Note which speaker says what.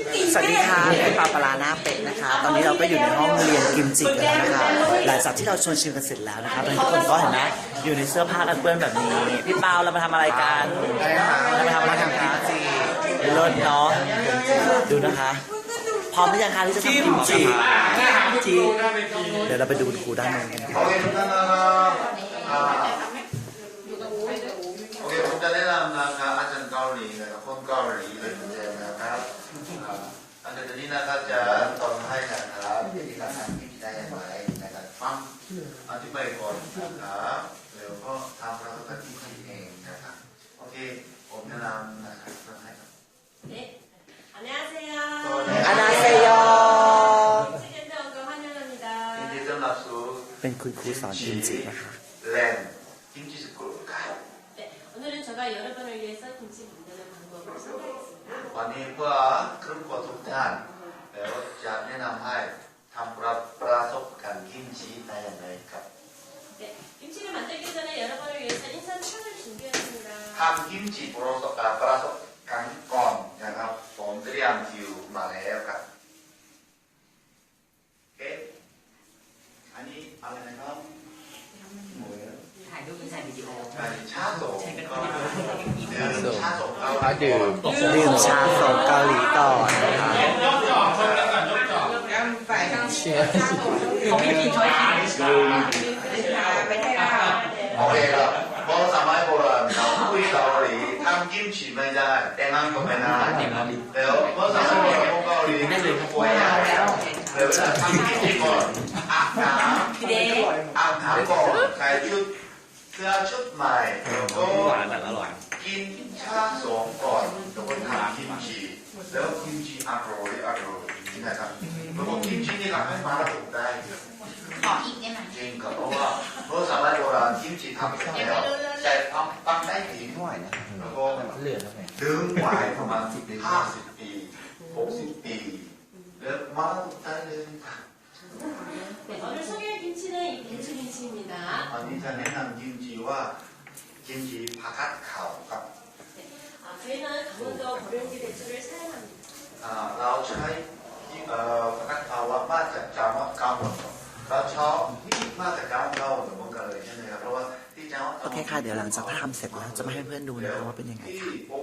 Speaker 1: สวัสดีค่ะเป็นปลาปลาหน้าเป็ดนะคะตอนนี้เราก็อยู่ในห้องเรียนกิมจิกันแล้วนะคะหลังจากที่เราชวนชิมกันเสร็จแล้วนะคะตอนนี้ทุกคนก็เห็นไหมอยู่ในเสื้อผ้ากันเปื้อนแบบนี้พี่เปาเรามาทำอะไรกันเรามาทำกิมจิเลิศเนาะดูนะคะพร้อมหรือยังคะที่จะทำกิมจิเดี๋ยวเราไปดูคุณครูด้านนู้นกันค่ะ
Speaker 2: โอเคผมจะแนะนำนะครับอาจารย์เกาหลีนะครับคนเกาหลีเลยเจมนะครับอาจารย์นี้นะครับจะตอนให้นะครับวิธีการทำกิมจิได้อย่างไรนะครับฟังอธิบายก่อนนะครับแล้วก็ทำแล้วก็กิมจิเองนะครับโอเคผมแนะนำนะครับเริ่มให้ครับ
Speaker 3: 안녕하세요.
Speaker 1: 안녕하세요.
Speaker 3: 김치센터 오늘 환영합니다.
Speaker 2: ยินดีต้อนรับสู่
Speaker 1: เป็นคุณครูสอนกิมจินะคะ
Speaker 2: แลนด์กิมจิสกูลครับ
Speaker 3: 네, 오늘은 제가 여러분을 위해서 김치 만드는 방법을 소개하겠습니다.
Speaker 2: วันนี้เพื่อครึ่งกว่าทุกท่านแล้วจะแนะนำให้ทำประสบการณ์กิมจิได้อย่างไรครับ
Speaker 3: 네, 김치를 만들기 전에 여러분을 위해서 인삼차를 준비했습니다.
Speaker 2: ทำกิมจิประสบการณ์ก่อนนะครับผมเตรียมคิวมาแล้วครับโอเคอันนี้อะไรนะครับหมู
Speaker 4: ถ่ายรูปเป็นถ่ายวิดีโอ
Speaker 2: อันนี้ชาโตะก็ชาโตะเรา
Speaker 1: ดื่มชาสดเกาหลีก่อนนะคะ
Speaker 4: ของพี่พีช่วยถ่าย
Speaker 2: โอเคครับเพราะสมัยโบราณเราคุยเกาหลีทำกิมจิไม่ได้แต่งงานก็ไม่ได้แล้วเพราะสมัยโบราณพวกเกาหลีป่วยแล้วเวลาทำกิมจิก่อนอาบน้ำก่อนใส่ชุดเสื้อชุดใหม่แล้วก็กินชาสองก่อนแล้วก็ทำกิมจิแล้วกิมจิอร่อยนะครับแล้วก็กิมจินี่ทำให้มาแล้วถูกได้
Speaker 4: ขออีกได้ไหม
Speaker 2: จริงครับเพราะว่าเมื่อสมัยโบราณกิมจิทำเสร็จแล้วแต่ตั้งได้ถึงแล้วก็ดึงไว้ประมาณ50 ปี60 ปีแล้วมาได้เลยครับ
Speaker 3: 네, 오늘 소개할 김치는 이 배추 김치입니다.
Speaker 2: วันนี้จะแนะนำกิมจิว่ากิมจิผักกาดขาวครับ
Speaker 3: 네, 저희는 강원도 고령지 배추를 사용합니다.
Speaker 2: เราใช้ผักกาดขาวมาจากจังหวัดกาญจนบุรีเราชอบมาจากจังหวัดกาญจนบุรีใช่ไหมครับเพราะว่าที่จังหวัด
Speaker 1: โอเคค่ะเดี๋ยวหลังจากทำเสร็จแล้วจะมาให้เพื่อนดูนะคะว่าเป็นยังไง
Speaker 2: ที่
Speaker 1: ค่ะ
Speaker 2: โบ